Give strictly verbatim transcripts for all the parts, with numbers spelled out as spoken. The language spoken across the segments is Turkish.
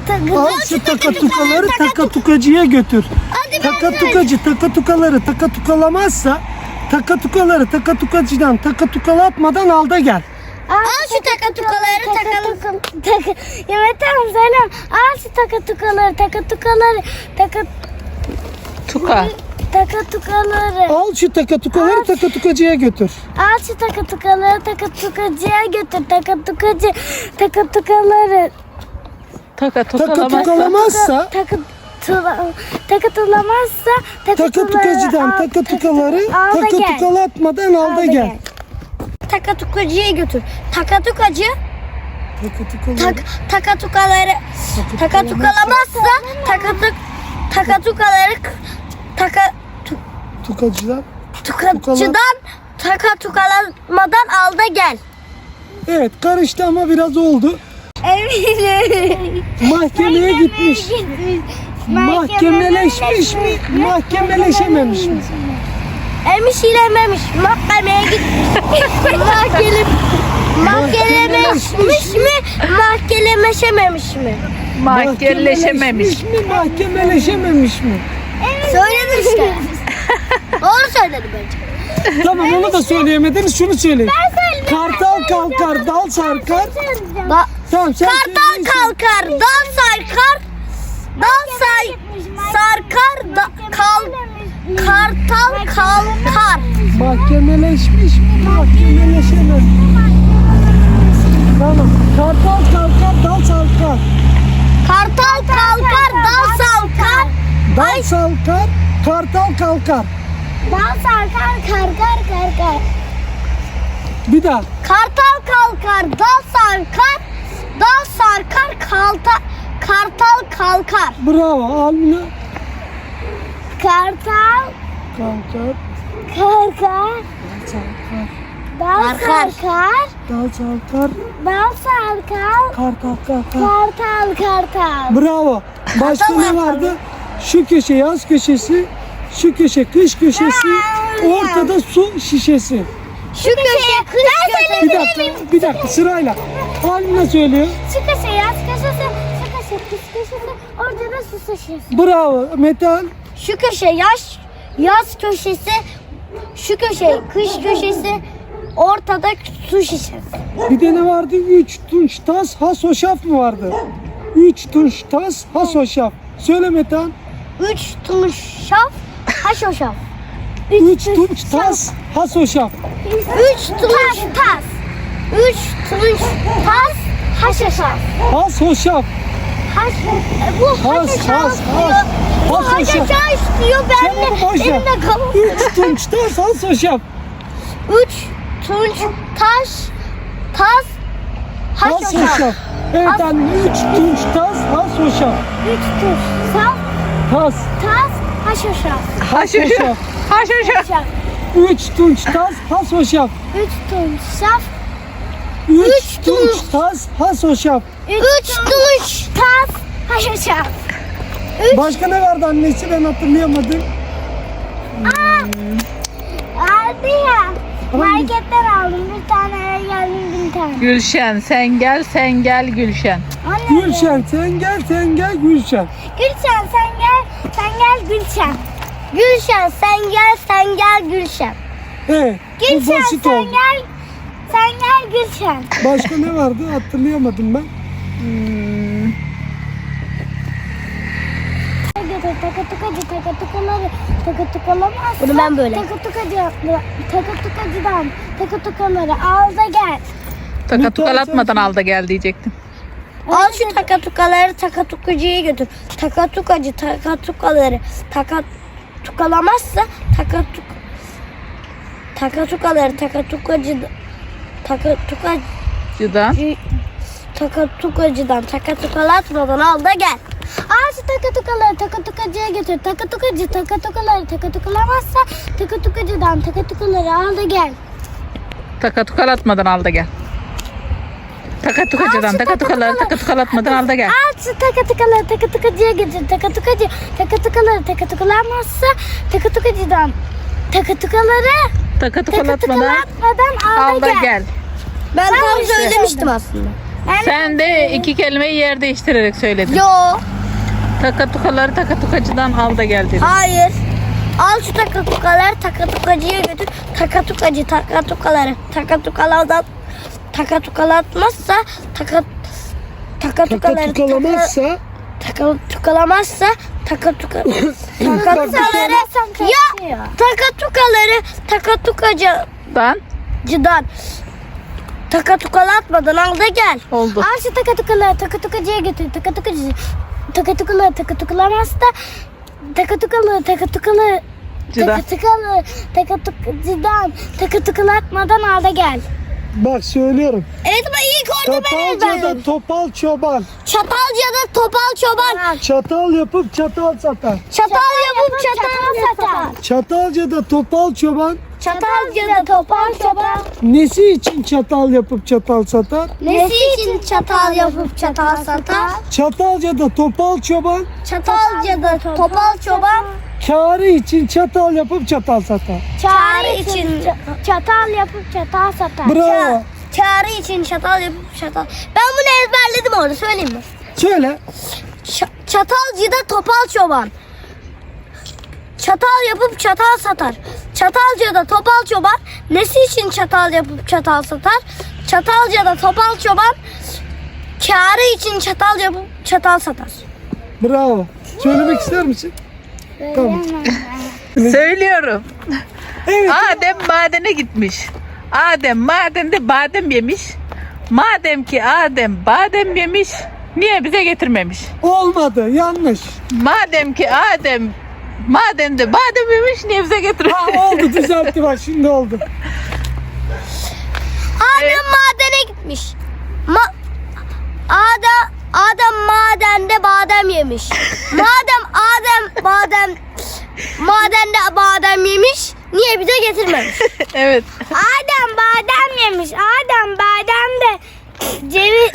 Al şu takatukaları takatukacıya götür. Takatukacı takatukaları takatukalamazsa takatukaları takatukacıdan takatukalatmadan al da gel. Al şu takatukaları takalım. Evet tamam söyleyeyim. Al şu takatukaları takatukaları takat Tuka. takatukaları. Al şu takatukaları takatukacıya götür. Al şu takatukaları takatukacıya götür. Takatukacı takatukaları Taka tukalamazsa. Takatukalamazsa takatula takatulamazsa takatukacıdan takatukaları takatukalatmadan al da gel. Takatukacıya götür. Takatukacı Takatukaları tak takatukaları takatukalamazsa takatuk takatukaları taka tu- tukacıdan. tukacıdan takatukalamadan al da gel. Evet karıştı ama biraz oldu. Eminim. Mahkemeye gitmiş. Mahkemeleşmiş mi? Mahkemeleşememiş mi? Emiş ilememiş. Mahkemeye gitmiş. Mahkele mahkemeleşmiş mi? Mahkemeleşememiş mi? Mahkemeleşememiş. mi? Mahkemeleşememiş mi? Söyledin işte. Doğru söyledi bence. Tamam onu da söyleyemediniz. Şunu söyleyin. Kartal kalkar, dal sarkar. Da Tamam sen Kartal söyle. kalkar, dal sarkar, dal say sarkar, da, kal kartal kalkar. Mahkemeleşmiş mi? Mahkemeleşemez mi? Tamam. Kartal kalkar, dal sarkar. Kartal kalkar, dal sarkar, Dal sarkar, kartal kalkar. dal sarkar, karkar karkar. Bir daha. Kartal kalkar, dal sarkar, dal sarkar, kalta, kartal kalkar. Bravo. Almina. Kartal Kalkar, kalkar, dal sarkar. dal sarkar, Dal sarkar, dal sarkar, kartal kalkar. kartal kartal. Bravo. Başka ne vardı? Şu köşe yaz köşesi, şu köşe kış köşesi, ortada su şişesi. Şu köşeye kış köşesi. Bir dakika, bir dakika sırayla. Almina söylüyor. Şu köşe yaz köşesi, şu köşe kış köşesi, ortada su şişesi. Bravo. Metal. Şu köşe yaz yaz köşesi, şu köşe kış köşesi, ortada su şişesi. Bir de ne vardı? Üç tunç tas has hoşaf mı vardı? Üç tunç tas has hoşaf. Söyle Metan. Üç tunç şaf, haşoşaf. Üç tunç tas has hoşaf. Üç tunç tas. Üç tunç tas, haşoşaf. Has hoşaf. Haş, e, bu Has, haşoşaf has, diyor. has. Bu Has hoşaf. haşoşaf diyor. Ben Çabuk de başla. elimle kalıp. Üç tunç tas has hoşaf. Üç tunç taş, tas, Has haşoşaf. hoşaf. Evet anne. Üç tunç tas has hoşaf. Üç tunç saf, Tas. tas, haşoşaf. Has hoşaf. Haşhaşa. Haşoşaf. Üç tunç tas has hoşaf. Üç tunç saf, Üç tunç tas has hoşaf. üç tunç tas, haşoşaf. Başka ne vardı annesi ben hatırlayamadım. Aldı ya. Marketten aldım bir tane, eve geldim bir tane. Gülşen sen gel sen gel Gülşen. Anne, Gülşen sen gel sen gel Gülşen. Gülşen sen gel, sen gel Gülşen. Gülşen sen gel, sen gel Gülşen. Evet. Bu Gülşen basit sen oldu. gel, sen gel Gülşen. Başka ne vardı hatırlayamadım ben. Hmm. Takatukacı takatukaları takatukalamazsa Bunu ben böyle. Takatukacı takatukacıdan takatukaları al da gel. Taka tukalatmadan al da gel diyecektim. Al şu takatukaları takatukacıya götür. Takatukacı takatukaları takatukalamazsa takatuk takatukaları takatukacı takatukacı Cıdan. takatukacıdan takatukalatmadan al da gel. Al şu takatukaları takatukacıya götür. Takatukacı takatukaları takatukalamazsa takatukacıdan takatukaları al da gel. Taka tukalatmadan al da gel. Taka tukacıdan taka tukaları taka tukalatmadan al da gel. Al şu takatukaları takatukacıya götür. Takatukacı takatukaları takatukalamazsa takatukacıdan takatukaları Taka tukalatmadan takatukalatmadan al, al da gel. Ben Ben tam işte söylemiştim aslında. Sen de iki kelimeyi yer değiştirerek söyledin. Yo. Takatukaları takatukacıdan al da gel dedin. Hayır. Al şu takatukaları takatukacıya götür. Takatukacı takatukaları takatukalardan takatukalatmazsa takat takatukaları Takatukalamazsa takatukalamazsa takatuka takatukaları ya takatukaları takatukacıdan Dan takatukalatmadan al da gel. oldu. Al şu takatukaları takatukacıya götür. Takatukacı. Takatukaları takatukalamazsa takatukalı takatukalı Cıdan. takatukalı takatukacıdan takatukalatmadan al da gel. bak söylüyorum. Evet ama ilk orada ben Çatalca'da ezberledim. topal çoban. Çatalca'da topal çoban. Çatal yapıp çatal satar. Çatal yapıp çatal satar. Çatalca'da topal çoban. Çatalca'da topal çoban. Nesi için çatal yapıp çatal satar? Nesi için çatal yapıp çatal satar? Çatalca'da topal çoban. Çatalca'da topal çoban. Kârı için çatal yapıp çatal satar. Çağrı için Çatal yapıp çatal satar. Bravo. çağrı için çatal yapıp çatal. Ben bunu ezberledim orada söyleyeyim mi? Söyle. Ç- Çatalca'da topal çoban. Çatal yapıp çatal satar. Çatalca'da topal çoban. Nesi için çatal yapıp çatal satar? Çatalca'da topal çoban. Kârı için çatal yapıp çatal satar. Bravo. Söylemek ister misin? Tamam. Söylüyorum. Evet. Adem madene gitmiş. Adem madende badem yemiş. Madem ki Adem badem yemiş, niye bize getirmemiş? Olmadı. Yanlış. Madem ki Adem madende badem yemiş, niye bize getirmemiş? Ha, oldu. Düzeltti bak. Şimdi oldu. Adem Evet. madene gitmiş. Ma Adem Adem madende badem yemiş. Madem Adem badem madende badem yemiş, niye bize getirmemiş? Evet. Adem badem yemiş. Adem badem de ceviz.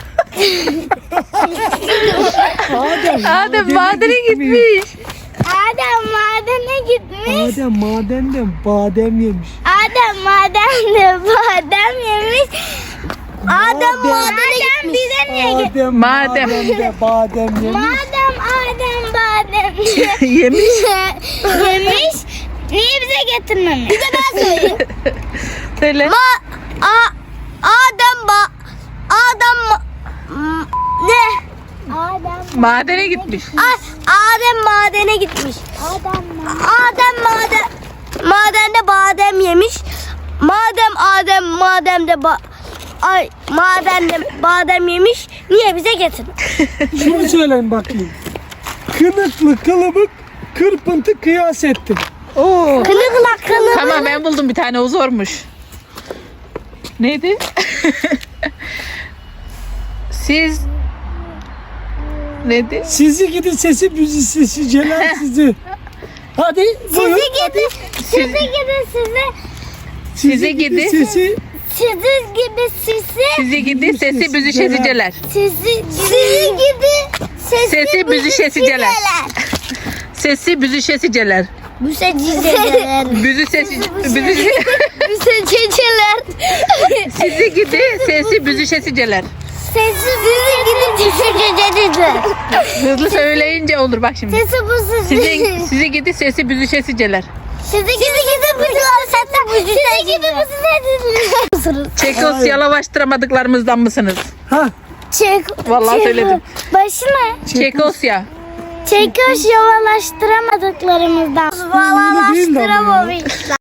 Adem, Adem madene gitmiş. Adem madene gitmiş. Adem madenden badem yemiş. Adem madem de badem yemiş. Adem madene Adem gitmiş. bize niye gitmiş? Adem Madem. madende badem yemiş. Madem Adem badem Yemiş. yemiş. Niye bize getirmemiş? Bir de ben söyleyeyim. Söyle. Ma a Adem ba Adem ma- m- ne? Adem Madene gitmiş. Ay, Adem madene gitmiş. Adem Adem maden madende badem yemiş. Madem Adem mademde ba ay madende badem yemiş, niye bize getirdin? Şunu söyleyin bakayım. Kınıklı kılıbık kırpıntı kıyas ettim. Oo. Kılıkla kılık. Tamam, ben buldum bir tane, o zormuş. Neydi? Siz neydi? Sizi gidi sesi büzü sesi celal sizi. Hadi buyurun. Sizi gidi, sizi gidi sizi, Sizi gidi. Sesi sizi gibi sizi, Sizi gidi sesi büzüşesiceler. sizi, Sizi gidi Sesi büzüşesiceler. Sesi büzüşesiceler. Bu sececeler. Büzü sesi büzü Bu sececeler. Sizi gidi sesi büzüşesiceler. sesi, Sizi gidi düşececeler. Hızlı söyleyince olur bak şimdi. sesi bu sizi. Sizi, sizi gidi sesi büzüşesiceler. Sizi gibi gidi bu sizi, sizi gibi bu sizi. Çekosyalaştıramadıklarımızdan mısınız? ha Çek, Vallahi çek- söyledim. Başı ne? Çekosya. Çekoş yavaştıramadıklarımızdan. Öyle değil de ama ya. Valalaştıramamışlar.